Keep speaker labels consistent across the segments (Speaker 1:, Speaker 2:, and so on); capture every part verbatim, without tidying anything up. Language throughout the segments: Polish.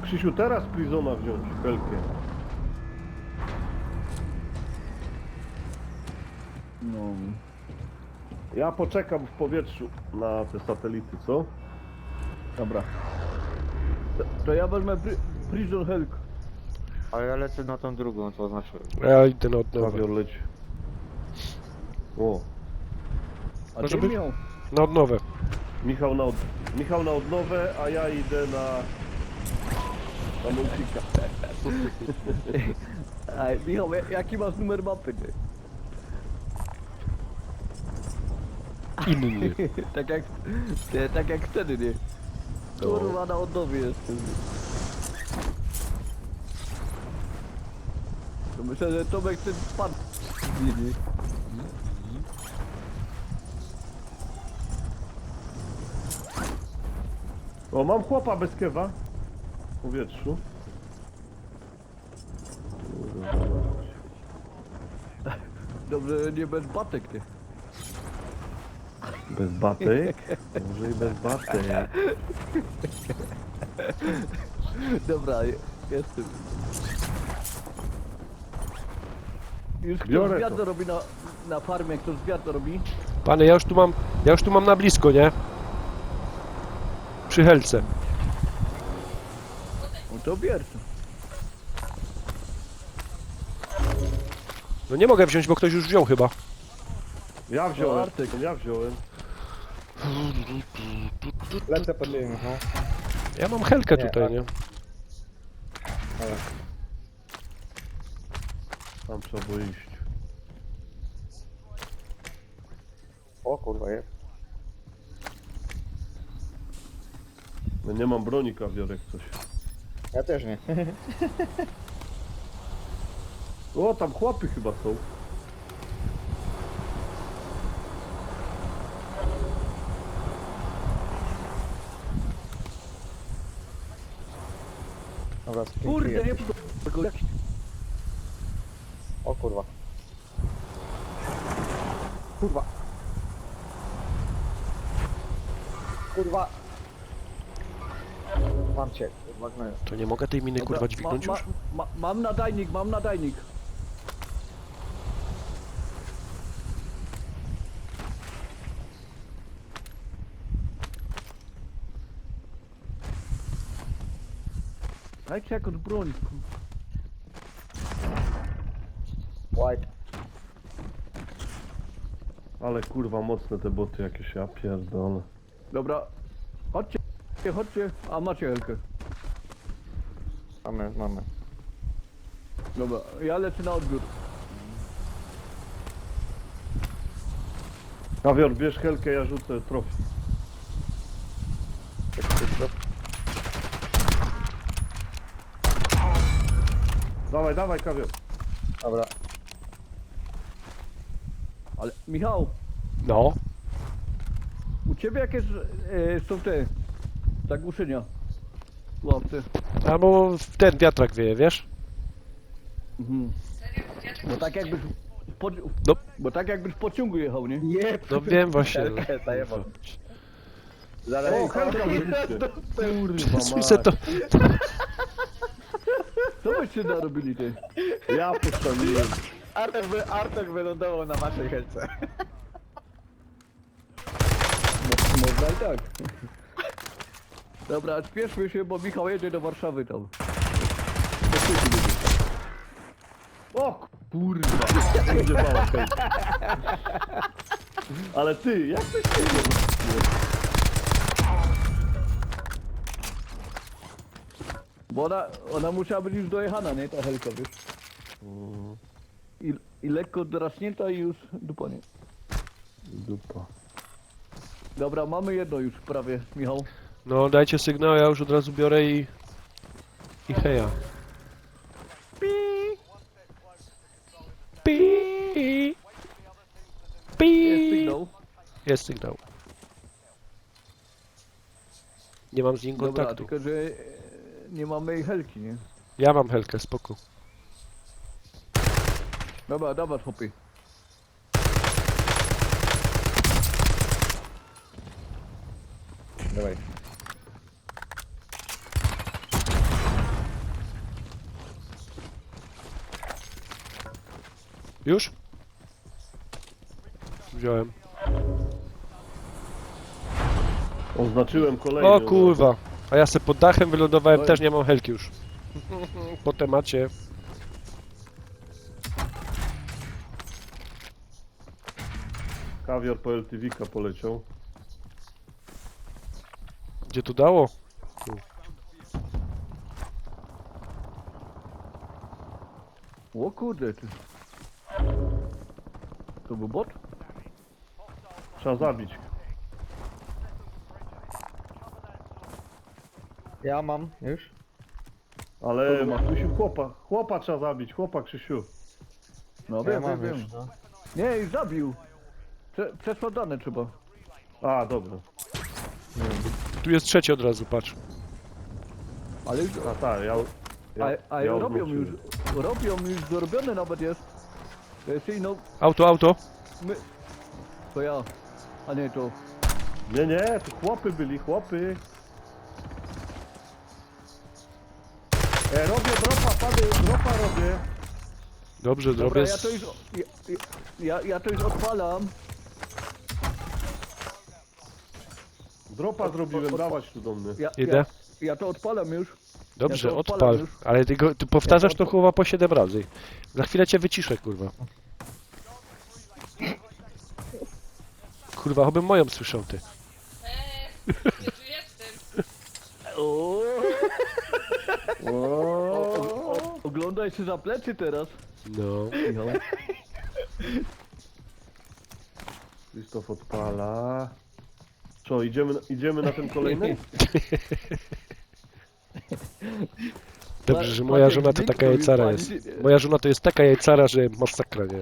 Speaker 1: Krzysiu, teraz Prizona wziąć, Helkę.
Speaker 2: No.
Speaker 1: Ja poczekam w powietrzu na te satelity, co?
Speaker 2: Dobra. To, to ja wezmę pri Prison Helk.
Speaker 3: A ja lecę na tą drugą, co oznaczyłem.
Speaker 4: Ja idę na odnowę.
Speaker 1: Kawior leci. O,
Speaker 2: A
Speaker 4: Może
Speaker 2: ty
Speaker 4: być?
Speaker 2: miał.
Speaker 4: Na odnowę.
Speaker 1: Michał na, od... Michał na odnowę, a ja idę na... na multika.
Speaker 2: Ej, Michał, ja- jaki masz numer mapy, ty?
Speaker 4: Inny.
Speaker 2: tak jak... Ty, tak jak wtedy, nie? Kurwa, na odnowie jestem. To myślę, że Tomek ten spadł. Nie, nie.
Speaker 1: O, mam chłopa bez kewa. W powietrzu.
Speaker 2: Dobrze, że nie bez batek, ty.
Speaker 1: Bez batek? Może i bez batek.
Speaker 2: Dobra, je- jestem. Już kto
Speaker 1: Biorę
Speaker 2: zwiat
Speaker 1: to.
Speaker 2: to robi na, na farmie, kto zwiat to robi?
Speaker 4: Panie, ja już tu mam, ja już tu mam na blisko, nie? Przy helce.
Speaker 2: No to bierz.
Speaker 4: No nie mogę wziąć, bo ktoś już wziął chyba.
Speaker 1: Ja wziąłem,
Speaker 2: Artyk.
Speaker 1: ja wziąłem.
Speaker 3: Lecę pod nim, no.
Speaker 4: Ja mam helkę
Speaker 3: Nie,
Speaker 4: tutaj,
Speaker 3: a-
Speaker 4: nie?
Speaker 3: Ale.
Speaker 1: Tam trzeba było iść.
Speaker 3: O kurwa, jest.
Speaker 1: No nie mam broni, kawiorek, coś.
Speaker 3: Ja też nie.
Speaker 1: O, tam chłopy chyba są.
Speaker 3: Dobra,
Speaker 2: Kurde, nie
Speaker 3: sprintuję.
Speaker 2: tylko jak...
Speaker 3: O kurwa. Kurwa. Kurwa. Mam cię, kurwa, gnoju.
Speaker 4: To nie mogę tej miny kurwa
Speaker 2: Dobra,
Speaker 4: dźwignąć
Speaker 2: ma,
Speaker 4: już?
Speaker 2: ma, ma, mam nadajnik, mam nadajnik. Dajcie jakąś broń.
Speaker 3: White.
Speaker 1: Ale kurwa mocne te boty jakieś, ja pierdolę.
Speaker 2: Dobra, chodźcie, chodźcie, a macie helkę.
Speaker 3: Mamy, mamy.
Speaker 2: Dobra, ja lecę na odbiór.
Speaker 1: Kawior, bierz helkę, ja rzucę trofi. Dawaj, dawaj, kawior.
Speaker 3: Dobra.
Speaker 2: Ale Michał,
Speaker 4: No.
Speaker 2: u ciebie jakieś e, są te zagłuszenia? Łapce.
Speaker 4: Albo w ten wiatrak wieje, wiesz?
Speaker 2: Mhm. Bo tak jakbyś po,
Speaker 4: No.
Speaker 2: bo tak jakbyś w pociągu jechał, nie?
Speaker 3: Nie,
Speaker 4: No wiem właśnie. no.
Speaker 3: Helkę zajebał.
Speaker 1: O,
Speaker 3: Zaraz.
Speaker 1: helka wyrzućcie. Kurwa
Speaker 4: Słyszę to.
Speaker 2: Co byście narobili, ty?
Speaker 1: Ja postawiłem.
Speaker 3: Artek, wy, Artek wylądował na waszej helce.
Speaker 2: Mo- Można i tak. Dobra, spieszmy się, bo Michał jedzie do Warszawy tam. Do Krzysiu będzie.
Speaker 1: O kurwa, będzie mała helka. Ale ty, jak to się dzieje?
Speaker 2: Bo ona, ona musiała być już dojechana, nie? Ta helka, wiesz? I, i lekko draśnięta i już dupa, nie?
Speaker 1: Dupa.
Speaker 2: Dobra, mamy jedno już prawie, Michał.
Speaker 4: No dajcie sygnał, ja już od razu biorę i... I heja. Pi. Pi.
Speaker 2: Jest sygnał.
Speaker 4: Jest sygnał. Nie mam z nim
Speaker 2: Dobra,
Speaker 4: kontaktu.
Speaker 2: tylko że e, nie mamy jej helki, nie?
Speaker 4: Ja mam helkę, spoko.
Speaker 2: Dobra, dawaj, chłopie.
Speaker 3: Dawaj.
Speaker 4: Już? Wziąłem.
Speaker 1: Oznaczyłem kolejny.
Speaker 4: O kurwa. A ja se pod dachem wylądowałem,
Speaker 2: Oj.
Speaker 4: też nie mam helki już. Po temacie.
Speaker 1: Kawior po L T V-ka poleciał.
Speaker 4: Gdzie tu dało?
Speaker 2: O kurde, ty. To był bot?
Speaker 1: Trzeba zabić.
Speaker 3: Ja mam, już.
Speaker 1: Ale
Speaker 2: Kogo ma?
Speaker 1: Krzysiu, chłopa. Chłopa trzeba zabić, chłopa Krzysiu.
Speaker 2: No
Speaker 3: Ja
Speaker 2: wiem,
Speaker 3: mam
Speaker 2: wiem,
Speaker 3: już,
Speaker 2: wiem.
Speaker 3: no.
Speaker 2: Nie, i zabił. Prze przesładane trzeba.
Speaker 1: A, dobra.
Speaker 4: Tu jest trzeci od razu, patrz.
Speaker 2: Ale już...
Speaker 1: A tak, ja... ja,
Speaker 2: A, a
Speaker 1: ja
Speaker 2: robią już,
Speaker 1: odwróciłem.
Speaker 2: robią już, zrobione nawet jest. To jest no,
Speaker 4: Auto, auto.
Speaker 2: my... To ja. A nie, to...
Speaker 1: Nie, nie, to chłopy byli, chłopy. E, robię dropa, pany, dropa robię.
Speaker 4: Dobrze,
Speaker 2: Dobra,
Speaker 4: zrobię.
Speaker 2: ja to już... Ja, ja, ja to już odpalam.
Speaker 1: Dropa zrobiłem, dawać tu do mnie.
Speaker 2: Ja,
Speaker 4: Idę.
Speaker 2: Ja, ja to odpalam już.
Speaker 4: Dobrze,
Speaker 2: Ja to odpalam
Speaker 4: odpal.
Speaker 2: już.
Speaker 4: Ale ty, go, ty powtarzasz
Speaker 2: Ja
Speaker 4: to
Speaker 2: to odpa-
Speaker 4: chyba po siedem razy. Za chwilę cię wyciszę, kurwa. Kurwa, chobym moją słyszał, ty.
Speaker 5: Eee, nie tu jestem.
Speaker 2: O,
Speaker 1: O,
Speaker 2: o, o, oglądaj się za plecy teraz.
Speaker 4: No.
Speaker 2: Michał.
Speaker 1: Krzysztof odpala. Co, idziemy, idziemy na ten kolejny?
Speaker 4: Dobrze, że
Speaker 2: Pa-
Speaker 4: moja
Speaker 2: patrz,
Speaker 4: żona
Speaker 2: jak
Speaker 4: to
Speaker 2: dźwięk
Speaker 4: taka
Speaker 2: robi,
Speaker 4: jajcara
Speaker 2: pani
Speaker 4: jest.
Speaker 2: się-
Speaker 4: Moja żona to jest taka jajcara, że masakra, nie?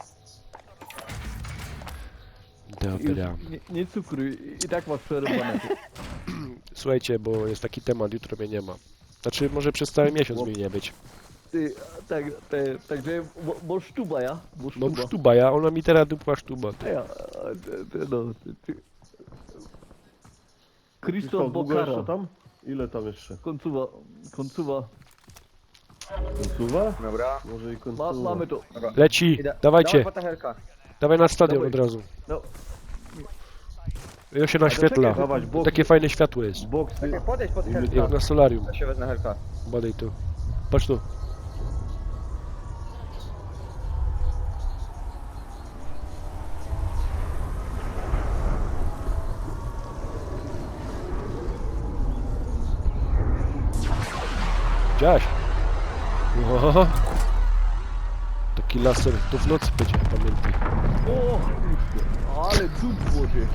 Speaker 2: Już
Speaker 4: Dobra.
Speaker 2: nie, nie cukruj, i tak masz przerwane.
Speaker 4: Słuchajcie, bo jest taki temat, jutro mnie nie ma. Znaczy, może przez cały miesiąc mi nie być.
Speaker 2: Ty, tak, te, także, bo, bo sztuba ja, bo
Speaker 4: No
Speaker 2: sztuba.
Speaker 4: sztuba, ja, ona mi teraz dupła sztuba.
Speaker 2: A
Speaker 4: Ty.
Speaker 2: ja, a, ty, ty, no, ty, ty. Krzysztof
Speaker 1: Krzysztof, długo jeszcze
Speaker 2: Bokara,
Speaker 1: tam? Ile tam jeszcze?
Speaker 2: końcowa, końcowa,
Speaker 1: Końcowa?
Speaker 3: Dobra.
Speaker 1: Może i
Speaker 2: Ma,
Speaker 1: końcowa.
Speaker 2: mamy to,
Speaker 3: Dobra.
Speaker 4: Leci,
Speaker 3: Idę.
Speaker 4: dawajcie,
Speaker 3: Dawaj po ta helka.
Speaker 4: dawaj na stadion
Speaker 2: Dawaj.
Speaker 4: od razu.
Speaker 2: no,
Speaker 4: Ja się naświetla.
Speaker 2: czekaj,
Speaker 1: Dawać bok,
Speaker 4: Takie fajne światło jest.
Speaker 1: boksy.
Speaker 3: Czekaj, podejdź pod
Speaker 1: I my-
Speaker 4: Jak
Speaker 3: helka.
Speaker 4: na solarium.
Speaker 3: Ja się wezmę helka.
Speaker 4: Badaj tu. Patrz tu. Widziałaś? Oho. Taki laser to w nocy będzie, pamiętaj.
Speaker 2: o, kurczę, ale cud wody.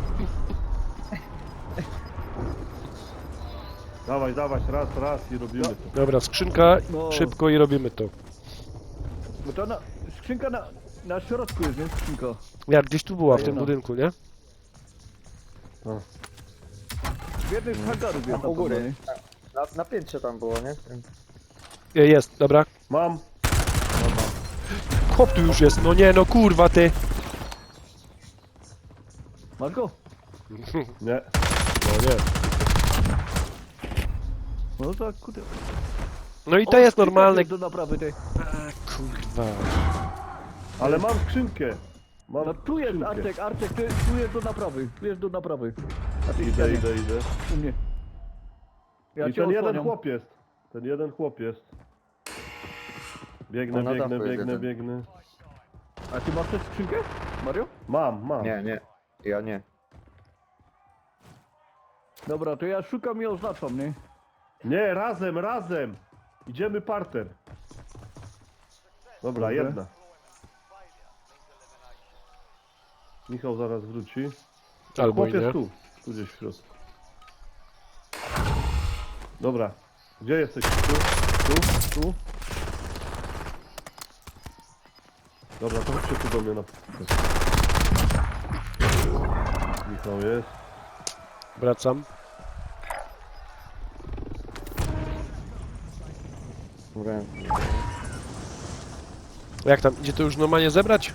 Speaker 1: Dawaj, dawać, raz, raz i robimy to.
Speaker 4: Dobra, skrzynka,
Speaker 2: No.
Speaker 4: szybko i robimy to.
Speaker 2: Bo to na, skrzynka na, na środku jest, nie skrzynka.
Speaker 4: Ja gdzieś tu była w tym
Speaker 2: Fajna.
Speaker 4: budynku, nie?
Speaker 2: W jednym z hangarów jest
Speaker 3: Tam u góry.
Speaker 2: nie?
Speaker 3: Na, na piętrze tam było, nie?
Speaker 4: Je- Jest, dobra.
Speaker 1: Mam.
Speaker 4: Chłop tu już jest, no nie, no kurwa ty.
Speaker 2: Masz go?
Speaker 1: Nie.
Speaker 4: No nie.
Speaker 2: No tak, kurde.
Speaker 4: No i to
Speaker 2: O,
Speaker 4: jest
Speaker 2: skrzynka
Speaker 4: normalne.
Speaker 2: Do naprawy tej.
Speaker 4: Kurwa.
Speaker 1: Ale mam skrzynkę. Mam
Speaker 2: No tu jest
Speaker 1: skrzynkę.
Speaker 2: Artek, Artek, ty, tu jest do naprawy, tu jest do naprawy. A ty
Speaker 1: Idę, idę, idę.
Speaker 2: U mnie. Ja
Speaker 1: I
Speaker 2: cię
Speaker 1: ten jeden
Speaker 2: osłaniam.
Speaker 1: chłop jest. Ten jeden chłop jest. Biegnę,
Speaker 3: O, na
Speaker 1: biegnę,
Speaker 3: dachu jest
Speaker 1: biegnę,
Speaker 3: jeden.
Speaker 1: biegnę.
Speaker 2: A ty masz też skrzynkę, Mario?
Speaker 1: Mam, mam.
Speaker 3: Nie, nie. Ja nie.
Speaker 2: Dobra, to ja szukam i oznaczam, nie?
Speaker 1: Nie, razem, razem. Idziemy parter. Dobra,
Speaker 2: Dobra.
Speaker 1: jedna. Michał zaraz wróci.
Speaker 4: Albo
Speaker 1: Chłop
Speaker 4: i
Speaker 1: jest
Speaker 4: nie.
Speaker 1: tu. Tu gdzieś w środku. Dobra. Gdzie jesteś? Tu? Tu? Tu? Dobra, to chodźcie tu do mnie na... Michał jest.
Speaker 4: Wracam.
Speaker 3: Dobra.
Speaker 4: Jak tam, idzie to już normalnie zebrać?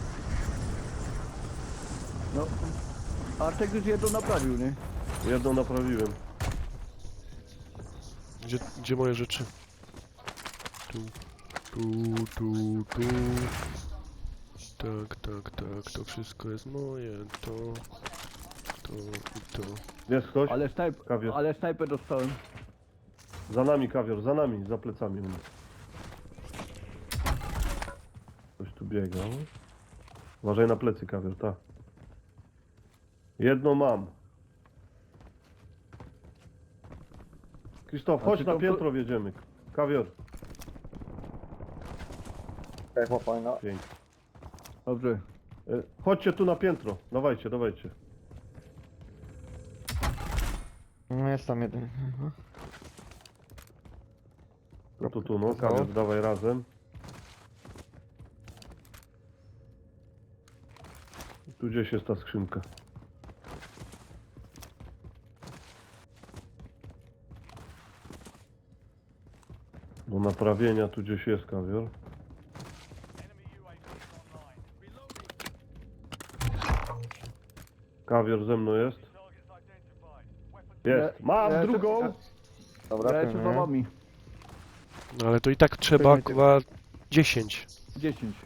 Speaker 2: No. Artek już jedno naprawił, nie?
Speaker 1: Jedną naprawiłem.
Speaker 4: Gdzie, gdzie moje rzeczy? Tu, tu, tu, tu. Tak, tak, tak, to wszystko jest moje, to, to i to.
Speaker 1: Jest ktoś?
Speaker 2: Ale, snajp
Speaker 1: Kawior.
Speaker 2: ale snajpę dostałem.
Speaker 1: Za nami kawior, za nami, za plecami u nas. Ktoś tu biega. Uważaj na plecy kawior, tak. Jedno mam. Krzysztof,
Speaker 2: A
Speaker 1: chodź
Speaker 2: czy
Speaker 1: na
Speaker 2: to-
Speaker 1: piętro wjedziemy. Kawior.
Speaker 3: Tak, chłopaj, no.
Speaker 1: Pięknie.
Speaker 2: Dobrze.
Speaker 1: E, Chodźcie tu na piętro. Dawajcie, dawajcie.
Speaker 3: No jest tam jeden. Aha.
Speaker 1: No to tu, no.
Speaker 3: Pokazało?
Speaker 1: Kawior, dawaj razem. Tu gdzieś jest ta skrzynka. Do naprawienia tu gdzieś jest kawior. Kawior ze mną jest. Jest. Mam
Speaker 2: Ja- ja
Speaker 1: drugą.
Speaker 2: jeszcze-
Speaker 3: Dobra,
Speaker 2: Ja jeszcze za
Speaker 3: pilnuję.
Speaker 2: wami.
Speaker 4: No ale to i tak trzeba,
Speaker 3: Pilnuj
Speaker 4: kurwa, dziesięć.
Speaker 2: dziesięć.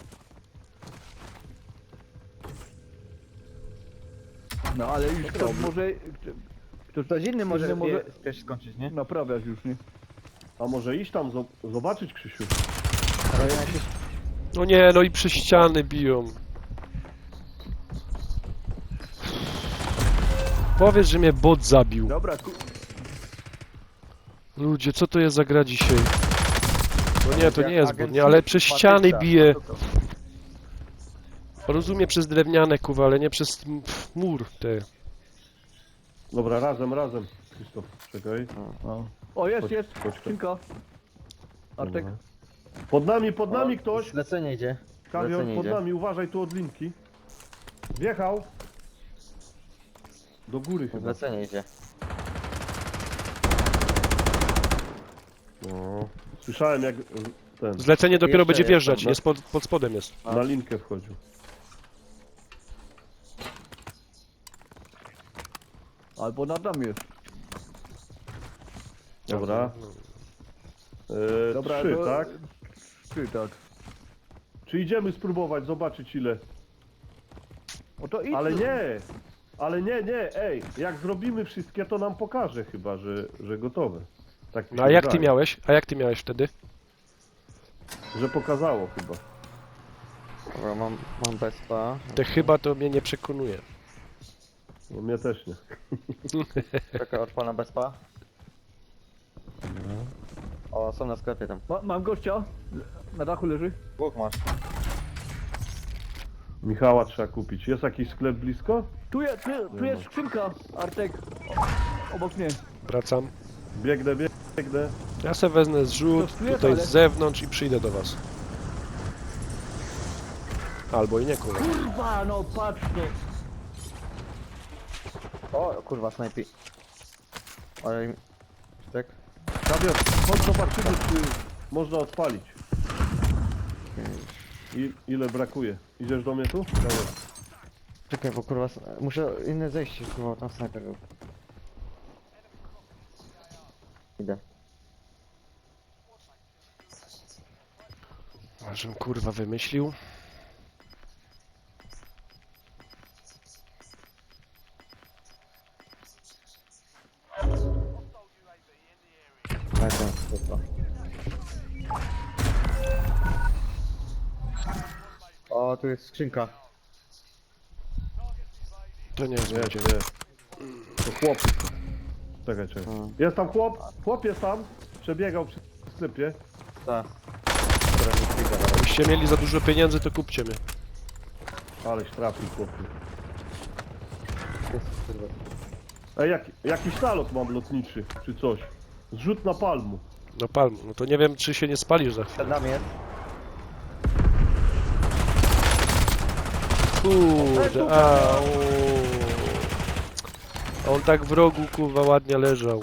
Speaker 2: No ale już ktoś może... Ktoś,
Speaker 3: Ktoś inny może,
Speaker 2: inny może
Speaker 3: je- też skończyć, nie?
Speaker 2: naprawiać już, nie?
Speaker 1: A może iść tam zo- zobaczyć, Krzysiu?
Speaker 3: Ale ja się...
Speaker 4: No nie, no i przez ściany biją. Powiedz, że mnie bot zabił.
Speaker 2: Dobra, ku...
Speaker 4: Ludzie, co to jest za gra dzisiaj? No nie, to nie jest bot,
Speaker 3: Agent
Speaker 4: nie, ale przez
Speaker 3: Matryca.
Speaker 4: ściany bije. Rozumiem przez drewniane, kuwa, ale nie przez m- pff, mur te.
Speaker 1: Dobra, razem, razem. Krzysztof, czekaj.
Speaker 2: O, o jest,
Speaker 1: Chodź,
Speaker 2: jest.
Speaker 1: chodź, chodź.
Speaker 2: Skrzynka. Artek.
Speaker 1: Dobra. Pod nami, pod nami ktoś.
Speaker 3: Zlecenie idzie.
Speaker 1: Kawior,
Speaker 3: Zlecenie
Speaker 1: pod
Speaker 3: idzie.
Speaker 1: nami, uważaj tu od linki. Wjechał. Do góry chyba.
Speaker 3: Zlecenie idzie.
Speaker 1: No. Słyszałem jak y, ten
Speaker 4: Zlecenie dopiero
Speaker 3: Jeszcze
Speaker 4: będzie
Speaker 3: jest,
Speaker 4: wjeżdżać,
Speaker 3: dobra.
Speaker 4: jest pod, pod spodem jest.
Speaker 1: na linkę wchodził.
Speaker 2: Albo nad nami jest.
Speaker 1: Dobra. E,
Speaker 2: Dobra,
Speaker 1: trzy,
Speaker 2: to-
Speaker 1: tak?
Speaker 2: Trzy, tak.
Speaker 1: Czy idziemy spróbować, zobaczyć ile?
Speaker 2: O to idź.
Speaker 1: Ale nie! Ale nie, nie, ej, jak zrobimy wszystkie, to nam pokaże chyba, że, że gotowe. Tak mi
Speaker 4: No
Speaker 1: się
Speaker 4: a jak ty
Speaker 1: wydaje.
Speaker 4: miałeś? A jak ty miałeś wtedy?
Speaker 1: Że pokazało chyba.
Speaker 3: Dobra, mam, mam bezpa.
Speaker 4: Te chyba to mnie nie przekonuje.
Speaker 1: No mnie też nie.
Speaker 3: Czekaj, odpala bezpa. O, są na sklepie tam.
Speaker 2: Ma, mam gościa. Na dachu leży.
Speaker 3: Dwóch masz.
Speaker 1: Michała trzeba kupić. Jest jakiś sklep blisko?
Speaker 2: Tu jest, tu, tu jest skrzynka, Artek. O, obok mnie.
Speaker 4: Wracam.
Speaker 1: Biegnę, biegnę.
Speaker 4: Ja se wezmę zrzut
Speaker 2: To jest,
Speaker 4: tutaj
Speaker 2: ale-
Speaker 4: z zewnątrz i przyjdę do was. Albo i nie, kurwa.
Speaker 2: Kurwa, no patrz no.
Speaker 3: O, kurwa, snajpi. Ale... im- Tak?
Speaker 1: Kawior, chodź zobaczymy, czy można odpalić. I, ile brakuje? Idziesz do mnie tu? Kawior.
Speaker 3: Czekaj, bo kurwa, s- muszę inne zejście, kurwa, tam snajper był. Idę.
Speaker 4: A żem kurwa wymyślił.
Speaker 3: Lecę, kurwa. O, tu jest skrzynka.
Speaker 4: To nie jest
Speaker 1: Nie,
Speaker 4: będzie.
Speaker 1: nie. To chłop. Czekaj, czekaj.
Speaker 3: Hmm.
Speaker 1: Jest tam chłop? Chłop jest tam. Przebiegał przy sklepie.
Speaker 3: Ta. Która mi chwila, dobra.
Speaker 4: Jakbyście mieli za dużo pieniędzy, to kupcie mnie.
Speaker 1: Aleś trafił chłopie.
Speaker 3: Jest, kurwa.
Speaker 1: Ej, jak, jakiś nalot mam lotniczy, czy coś. Zrzut na palmu.
Speaker 4: No palm, no to nie wiem, czy się nie spalisz za chwilę.
Speaker 3: Przed nami jest.
Speaker 4: Kurde, a o. A on tak w rogu, kurwa, ładnie leżał.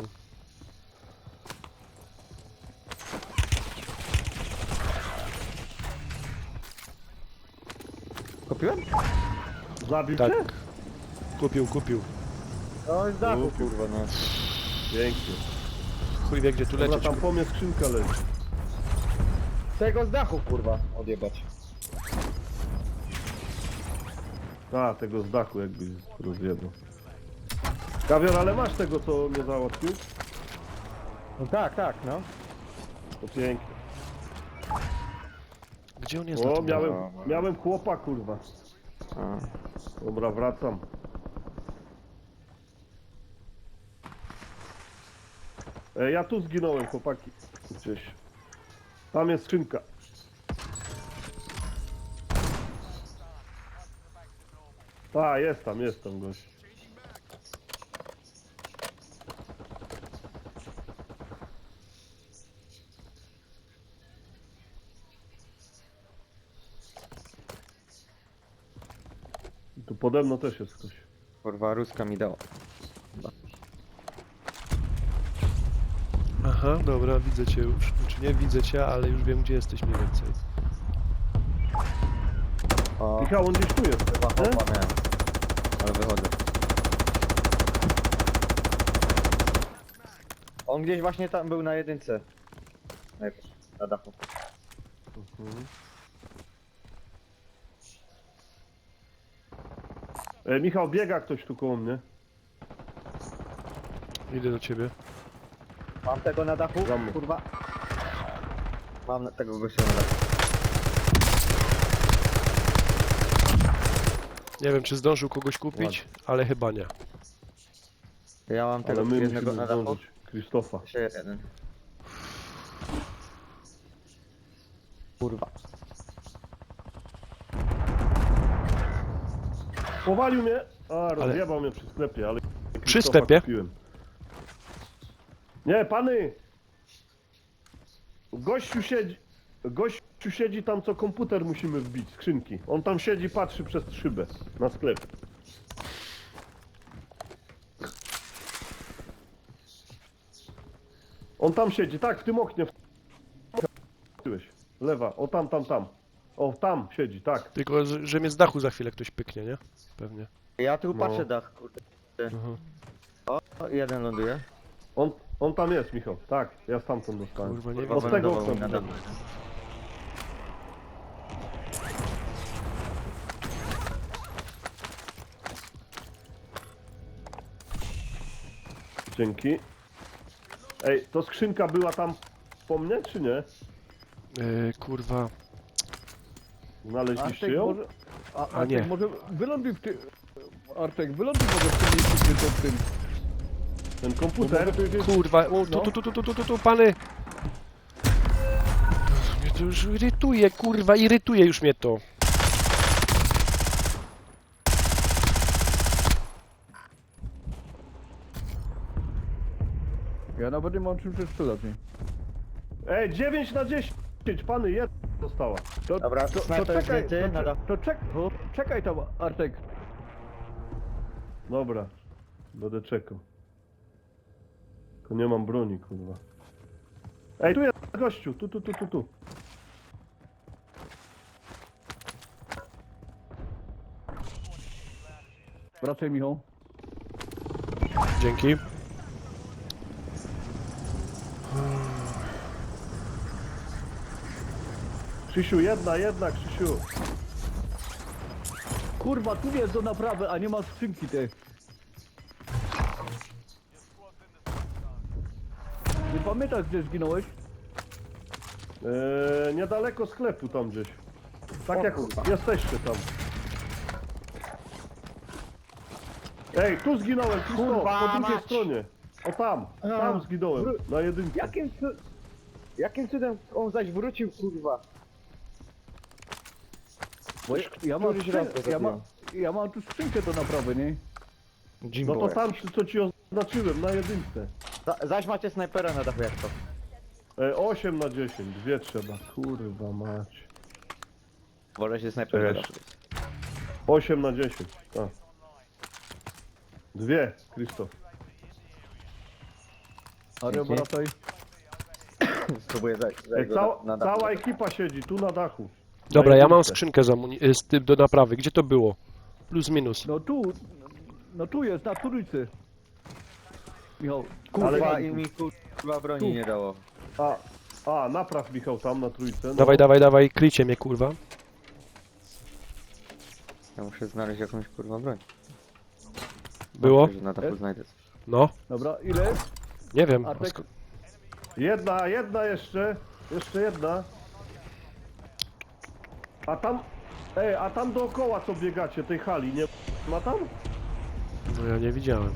Speaker 3: Kupiłem?
Speaker 1: Zabił
Speaker 4: Tak.
Speaker 1: cię?
Speaker 4: Kupił, kupił.
Speaker 3: No, z dachu,
Speaker 1: Kupił.
Speaker 3: kurwa, no.
Speaker 1: Pięknie.
Speaker 4: Chuj wie, gdzie tu
Speaker 1: Dobra,
Speaker 4: lecieć.
Speaker 1: tam po mnie skrzynka leży.
Speaker 3: Tego z dachu, kurwa, odjebać.
Speaker 1: A, tego z dachu jakbyś rozjebał. Kawior, ale masz tego, co mnie załatwił?
Speaker 3: No tak, tak, no.
Speaker 1: To pięknie.
Speaker 4: Gdzie on jest na
Speaker 1: O,
Speaker 4: tym?
Speaker 1: miałem,
Speaker 3: no.
Speaker 1: miałem chłopa, kurwa.
Speaker 3: A.
Speaker 1: Dobra, wracam. E, ja tu zginąłem, chłopaki. Gdzieś. Tam jest skrzynka. A, jest tam, jest tam gość. I tu pode mną też jest ktoś.
Speaker 3: Kurwa, ruska mi dała.
Speaker 4: Aha, dobra, widzę cię już. Znaczy nie widzę cię, ale już wiem, gdzie jesteś mniej więcej.
Speaker 3: O,
Speaker 1: Michał, on gdzieś tu jest.
Speaker 3: chyba
Speaker 1: nie?
Speaker 3: chopa miałem. Ale wychodzę. On gdzieś właśnie tam był na jedynce. Najpierw, na dachu.
Speaker 1: E, Michał, biega ktoś tu koło mnie.
Speaker 4: Idę do ciebie.
Speaker 3: Mam tego na dachu?
Speaker 1: Za mną.
Speaker 3: Kurwa. Mam na- tego gościa na dachu.
Speaker 4: Nie wiem, czy zdążył kogoś kupić, ale chyba nie.
Speaker 3: Ja mam tego
Speaker 1: Ale my
Speaker 3: jednego
Speaker 1: musimy
Speaker 3: na dachu.
Speaker 1: zdążyć. Krzysztofa.
Speaker 3: Jeszcze jeden. Kurwa.
Speaker 1: Powalił mnie! A, rozjebał mnie przy sklepie, ale... Krzysztofa
Speaker 4: sklepie?
Speaker 1: Kupiłem. Nie, pany! Gościu siedzi... Gościu siedzi tam, co komputer musimy wbić, skrzynki. On tam siedzi, patrzy przez szybę na sklep. On tam siedzi, tak, w tym oknie. W... Tyłeś. Lewa, o tam, tam, tam. O, tam siedzi, tak.
Speaker 4: Tylko, że, że mnie z dachu za chwilę ktoś pyknie, nie? Pewnie.
Speaker 3: Ja tu
Speaker 1: No.
Speaker 3: patrzę dach, kurde.
Speaker 4: Mhm.
Speaker 3: O, jeden ląduje.
Speaker 1: On, on tam jest, Michał. Tak, ja stamtąd dostałem.
Speaker 4: Kurwa, nie
Speaker 3: Kurwa,
Speaker 1: Od
Speaker 4: wiem.
Speaker 1: tego
Speaker 3: wylądował
Speaker 1: okna
Speaker 3: mi na
Speaker 1: widziałem.
Speaker 3: dachu.
Speaker 1: Dzięki. Ej, to skrzynka była tam po mnie, czy nie?
Speaker 4: Yy, kurwa.
Speaker 1: Znaleźliście
Speaker 2: Artek
Speaker 1: ją?
Speaker 2: może... A,
Speaker 4: A
Speaker 2: Artek
Speaker 4: nie.
Speaker 2: może wyląduj w tym... Artek, wyląduj może w tym miejscu, gdzie to w tym...
Speaker 1: Ten komputer?
Speaker 4: Kurwa, o, tu, tu, tu, tu, tu, tu, tu, tu, pany! Mnie to już irytuje, kurwa, irytuje już mnie to.
Speaker 2: Ja nawet nie mam czym przestrzelać, nie?
Speaker 1: Ej, dziewięć na dziesięć, pany, jedna została.
Speaker 2: To,
Speaker 3: Dobra,
Speaker 2: to, to
Speaker 3: snajper jest
Speaker 2: czekaj,
Speaker 3: zdjęty
Speaker 2: to,
Speaker 3: na
Speaker 2: cze-
Speaker 3: dachu.
Speaker 2: to czek, czekaj tam, Artek.
Speaker 1: Dobra, będę czekał. Tylko nie mam broni, kurwa. Ej, tu jest gościu, tu, tu, tu, tu, tu.
Speaker 2: Wracaj, Michał.
Speaker 4: Dzięki.
Speaker 1: Krzysiu, jedna, jedna, Krzysiu.
Speaker 2: Kurwa, tu jest do naprawy, a nie ma skrzynki tej. Nie pamiętasz, gdzie zginąłeś?
Speaker 1: Eee, niedaleko sklepu tam gdzieś. Tak
Speaker 3: O
Speaker 1: jak
Speaker 3: kurwa.
Speaker 1: jesteście tam. Ej, tu zginąłem, tu
Speaker 3: Kurwa
Speaker 1: po drugiej
Speaker 3: mać.
Speaker 1: stronie. O tam, tam zginąłem, na jedynce.
Speaker 3: Jakim, cu... Jakim cudem on zaś wrócił, kurwa?
Speaker 2: Bo ja, ja, mam,
Speaker 3: któryś raz to
Speaker 2: skrzyn- ja, mam,
Speaker 3: zrobiłem.
Speaker 2: ja mam tu skrzynkę do naprawy, nie?
Speaker 1: No to tam, co ci oznaczyłem, na jedynce.
Speaker 3: Za, zaś macie snajpera na dachu, jak to?
Speaker 1: E, osiem na dziesięć, dwie trzeba, kurwa mać.
Speaker 3: Wolę się snajper na
Speaker 1: Cześć.
Speaker 3: dachu.
Speaker 1: osiem na dziesięć, tak. Dwie, Krzysztof.
Speaker 2: Ale
Speaker 3: Dzięki.
Speaker 2: wracaj.
Speaker 3: Spróbuję zajść,
Speaker 1: Ej,
Speaker 3: zajść go
Speaker 1: cała,
Speaker 3: na, na dachu.
Speaker 1: cała ekipa siedzi tu na dachu.
Speaker 4: Dobra,
Speaker 1: Na
Speaker 4: ja mam
Speaker 1: jedynce.
Speaker 4: skrzynkę za muni- y, z tym do naprawy. Gdzie to było? Plus minus.
Speaker 2: No tu, no tu jest, na trójcy. Michał,
Speaker 3: Kurwa,
Speaker 1: Ale-
Speaker 3: i mi kurwa broni
Speaker 2: Tu.
Speaker 3: nie dało.
Speaker 1: A, a, napraw Michał tam na trójce. No.
Speaker 4: Dawaj, dawaj, dawaj, kryjcie mnie, kurwa.
Speaker 3: Ja muszę znaleźć jakąś kurwa broń.
Speaker 4: Było?
Speaker 3: Myślę, że na dachu znajdę coś.
Speaker 4: No,
Speaker 2: Dobra, ile?
Speaker 4: nie wiem.
Speaker 2: Artek?
Speaker 4: Sko-
Speaker 1: Jedna, jedna jeszcze. Jeszcze jedna. A tam... Ej, a tam dookoła co biegacie, tej hali, nie ma tam?
Speaker 4: No ja nie widziałem.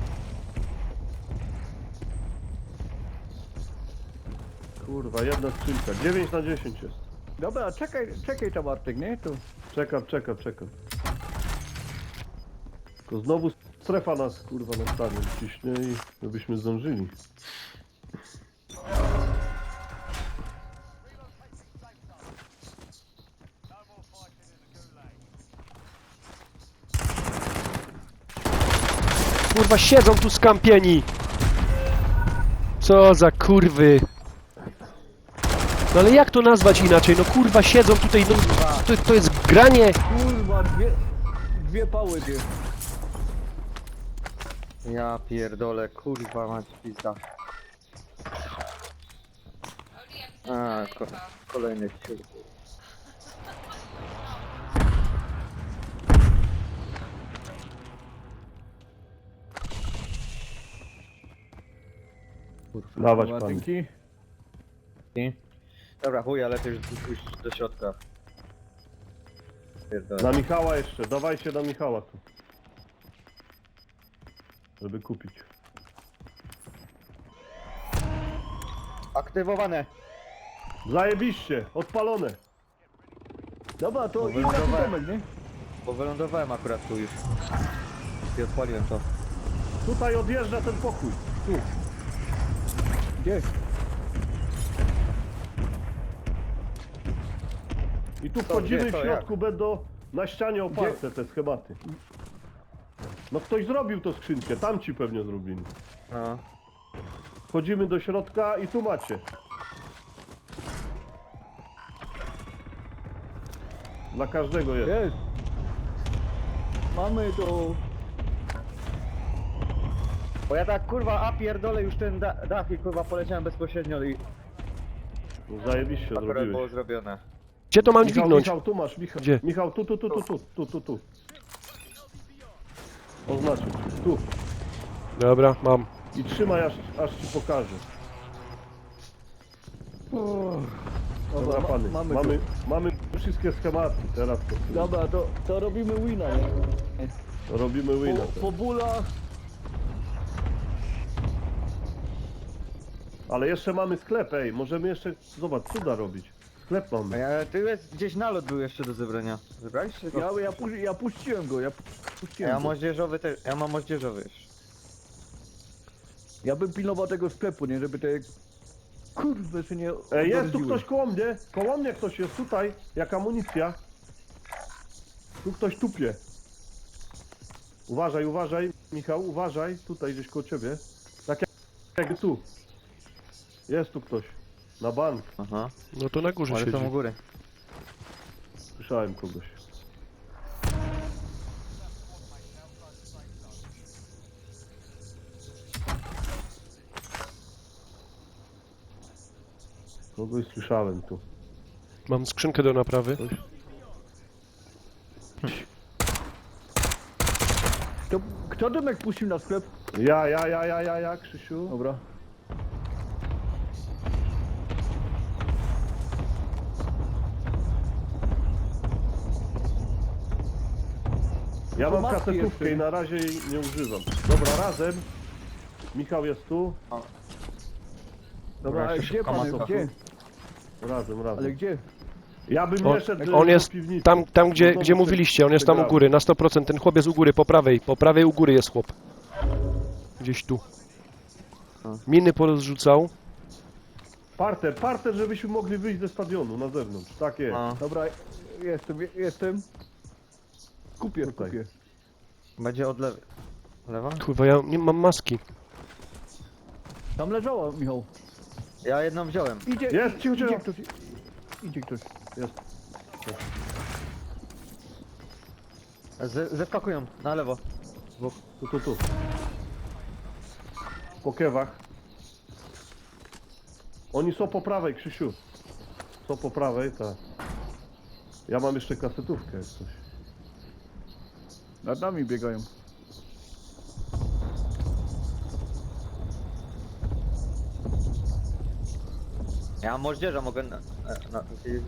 Speaker 1: Kurwa, jedna skrzynka. dziewięć na dziesięć jest.
Speaker 2: Dobra, czekaj, czekaj tam Artek, nie? Tu.
Speaker 1: Czekam, czekam, czekam. Tylko znowu strefa nas kurwa na stanie ciśnie i żebyśmy zdążyli.
Speaker 4: Kurwa, siedzą tu skampieni! Co za kurwy! No ale jak to nazwać inaczej? No kurwa, siedzą tutaj, no to, to jest granie!
Speaker 2: Kurwa, dwie, dwie pały dwie.
Speaker 3: Ja pierdolę, kurwa mać pizda.
Speaker 5: Oli, jak to
Speaker 3: A,
Speaker 5: jest
Speaker 3: ko
Speaker 5: daleko.
Speaker 3: kolejny ciur.
Speaker 1: Dawać
Speaker 2: Dobra,
Speaker 1: pan.
Speaker 2: dzięki.
Speaker 3: I? Dobra, chuj, ale lepiej już pójść do środka. Pierdolę.
Speaker 1: Na Michała jeszcze, dawajcie na Michała tu. Żeby kupić.
Speaker 3: Aktywowane!
Speaker 1: Zajebiście, odpalone.
Speaker 2: Dobra, to
Speaker 3: Dobra,
Speaker 2: idź na
Speaker 3: dobra.
Speaker 2: ten domek, nie?
Speaker 3: Bo wylądowałem akurat tu już. I odpaliłem to.
Speaker 1: Tutaj odjeżdża ten pokój. Tu.
Speaker 2: Gdzie?
Speaker 1: I tu
Speaker 3: To
Speaker 1: wchodzimy
Speaker 3: gdzie,
Speaker 1: w
Speaker 3: to
Speaker 1: środku, będą na ścianie oparte te schematy. No ktoś zrobił to skrzynkę, tamci pewnie zrobili.
Speaker 3: No.
Speaker 1: Wchodzimy do środka i tu macie. Dla każdego jest.
Speaker 2: Jest. Mamy to.
Speaker 3: Bo ja tak kurwa, a pierdolę już ten da dach i kurwa poleciałem bezpośrednio i
Speaker 1: No zajebiście
Speaker 3: akurat było
Speaker 1: zrobiłeś.
Speaker 3: zrobione.
Speaker 4: Gdzie to mam
Speaker 1: Michał,
Speaker 4: dźwignąć?
Speaker 1: Michał, tu masz, Michał.
Speaker 4: Gdzie?
Speaker 1: Michał, tu, tu, tu, tu, tu, tu, tu, tu. Oznaczył. Tu.
Speaker 4: Dobra, mam.
Speaker 1: I trzymaj aż, aż ci pokażę. Dobra,
Speaker 2: Dobra, ma-
Speaker 1: pany.
Speaker 2: mamy
Speaker 1: Mamy, mamy wszystkie schematy teraz. To,
Speaker 2: Dobra, to, to robimy wina, nie?
Speaker 1: to robimy wina.
Speaker 2: Po,
Speaker 1: teraz.
Speaker 2: po bólach.
Speaker 1: Ale jeszcze mamy sklep, ej. Możemy jeszcze, zobacz, cuda robić. Sklep
Speaker 3: A
Speaker 1: mamy.
Speaker 3: ja, tu jest gdzieś nalot był jeszcze do zebrania. Zebraliście go?
Speaker 2: Ja, ja, pu- ja puściłem go, ja
Speaker 3: Ja
Speaker 2: puściłem
Speaker 3: mam
Speaker 2: go.
Speaker 3: moździerzowy też, ja mam moździerzowy już.
Speaker 2: Ja bym pilnował tego sklepu, nie? Żeby te kurwy się nie
Speaker 1: Ej, jest tu
Speaker 2: odrodziły.
Speaker 1: ktoś koło mnie. Koło mnie ktoś jest tutaj. Jak amunicja. Tu ktoś tupie. Uważaj, uważaj, Michał, uważaj. Tutaj gdzieś koło ciebie. Tak jak, jak tu. Jest tu ktoś. Na bank.
Speaker 3: Aha.
Speaker 4: No to na górze
Speaker 3: Ale
Speaker 4: siedzi.
Speaker 3: są u góry.
Speaker 1: Słyszałem kogoś. Kogoś słyszałem tu.
Speaker 4: Mam skrzynkę do naprawy.
Speaker 2: To, kto dymek puścił na sklep?
Speaker 1: Ja, ja, ja, ja, ja, ja, Krzysiu.
Speaker 2: Dobra.
Speaker 1: Ja
Speaker 2: To
Speaker 1: mam
Speaker 2: maski
Speaker 1: kasetówkę
Speaker 2: jeszcze.
Speaker 1: i na razie jej nie używam. Dobra, razem. Michał jest tu.
Speaker 2: Dobra, ale
Speaker 3: jeszcze
Speaker 2: gdzie
Speaker 3: szukam
Speaker 2: pan,
Speaker 3: maska.
Speaker 2: gdzie?
Speaker 1: Razem, razem.
Speaker 2: Ale gdzie?
Speaker 1: Ja bym
Speaker 4: On-
Speaker 1: nie szedł
Speaker 4: On
Speaker 1: do
Speaker 4: jest
Speaker 1: piwnicy.
Speaker 4: tam, tam gdzie,
Speaker 1: No to
Speaker 4: gdzie
Speaker 1: muszę-
Speaker 4: mówiliście, on jest tam u
Speaker 1: przegrałem.
Speaker 4: góry, na sto procent. Ten chłop jest u góry, po prawej. Po prawej u góry jest chłop. Gdzieś tu. Miny porozrzucał.
Speaker 1: Parter, parter, żebyśmy mogli wyjść ze stadionu na zewnątrz. Tak jest.
Speaker 3: No.
Speaker 2: Dobra, jestem, jestem. Kupię,
Speaker 1: Tutaj.
Speaker 2: kupię.
Speaker 3: Będzie od lewej. Lewa?
Speaker 4: Kurwa, ja nie mam maski.
Speaker 2: Tam leżała, Michał.
Speaker 3: Ja jedną wziąłem.
Speaker 2: Idzie,
Speaker 1: Jest, cicho,
Speaker 2: idzie
Speaker 1: cicho.
Speaker 2: ktoś. Idzie ktoś.
Speaker 1: Jest.
Speaker 3: Z zeskakują na lewo. Dwóch.
Speaker 1: Tu, tu, tu. Po kewach. Oni są po prawej, Krzysiu. Są po prawej, tak. Ja mam jeszcze kasetówkę jak coś.
Speaker 2: Nad nami biegają.
Speaker 3: Ja mam moździerza, mogę na... na, na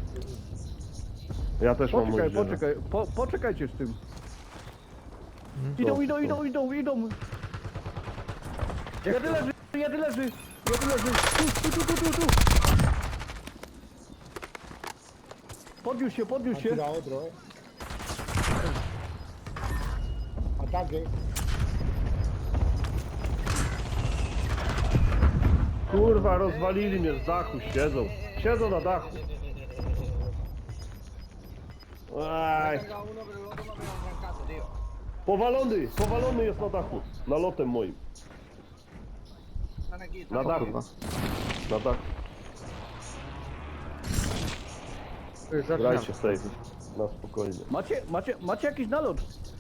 Speaker 1: Ja też mam
Speaker 2: Poczekaj,
Speaker 1: moździerza.
Speaker 2: poczekaj, po, poczekajcie z tym. Idą, idą, idą, idą, idą. Jedy leży, jedy leży, jedy leży. Tu, tu, tu, tu, tu, tu. Podniósł się, podniósł się.
Speaker 6: Tira otro, eh. Ataque.
Speaker 1: Kurwa, rozwalili mnie z dachu, siedzą. Siedzą na dachu. Aj. Powalony, powalony jest na dachu. Nalotem moim. Na dachu. Na dachu. Grajcie safe. Na spokojnie.
Speaker 2: Macie, macie, macie jakiś nalot?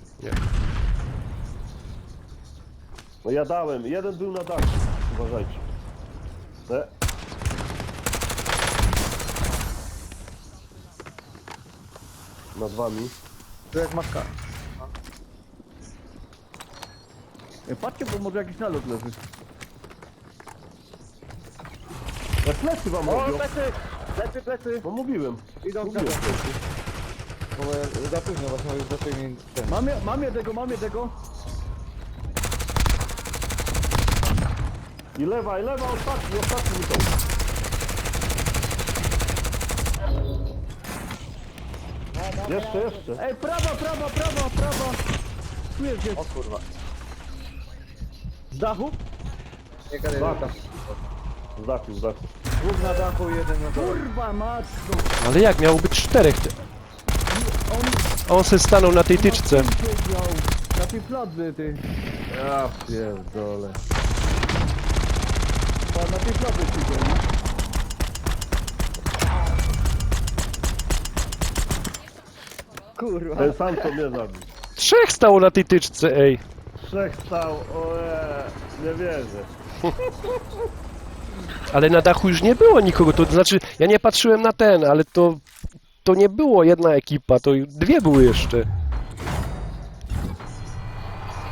Speaker 1: No ja dałem, jeden był na dachu. Uważajcie. E. Nad wami.
Speaker 3: Tu jak matka.
Speaker 2: E, Patrzcie, bo może jakiś nalot leży.
Speaker 1: Ja plecy wam
Speaker 3: O,
Speaker 1: robią.
Speaker 3: plecy! Plecy, plecy!
Speaker 1: No mówiłem.
Speaker 3: Idą
Speaker 1: Mówiłem
Speaker 3: w
Speaker 1: plecy.
Speaker 3: Bo ja za późno właśnie, już zaczęli mi ten...
Speaker 2: Mam, je- mam jednego, mam jednego.
Speaker 1: I lewa, i lewa, ostatni, ostatni mi to. Jeszcze, jeszcze.
Speaker 2: Ej, prawa, prawa, prawa, prawa. Tu jest gdzieś.
Speaker 3: O kurwa.
Speaker 2: Z dachu?
Speaker 3: Nie gadaj,
Speaker 1: Z dachu.
Speaker 3: tam.
Speaker 1: Z dachu, z dachu.
Speaker 3: Dwóch na dachu, jeden na dole.
Speaker 2: Kurwa matko.
Speaker 4: Ale jak, miało być czterech. ty- On se stanął na tej tyczce.
Speaker 2: Na tym siedział. Na tej fladze, ty.
Speaker 1: Ja pierdolę.
Speaker 2: Chyba na tej fladze siedział, nie?
Speaker 3: Kurwa.
Speaker 1: Ten sam co mnie zabił.
Speaker 4: Trzech stało na tej tyczce, ej.
Speaker 1: Trzech stał, oje, nie wierzę.
Speaker 4: Ale na dachu już nie było nikogo, to znaczy, ja nie patrzyłem na ten, ale to... To nie było jedna ekipa, to dwie były jeszcze.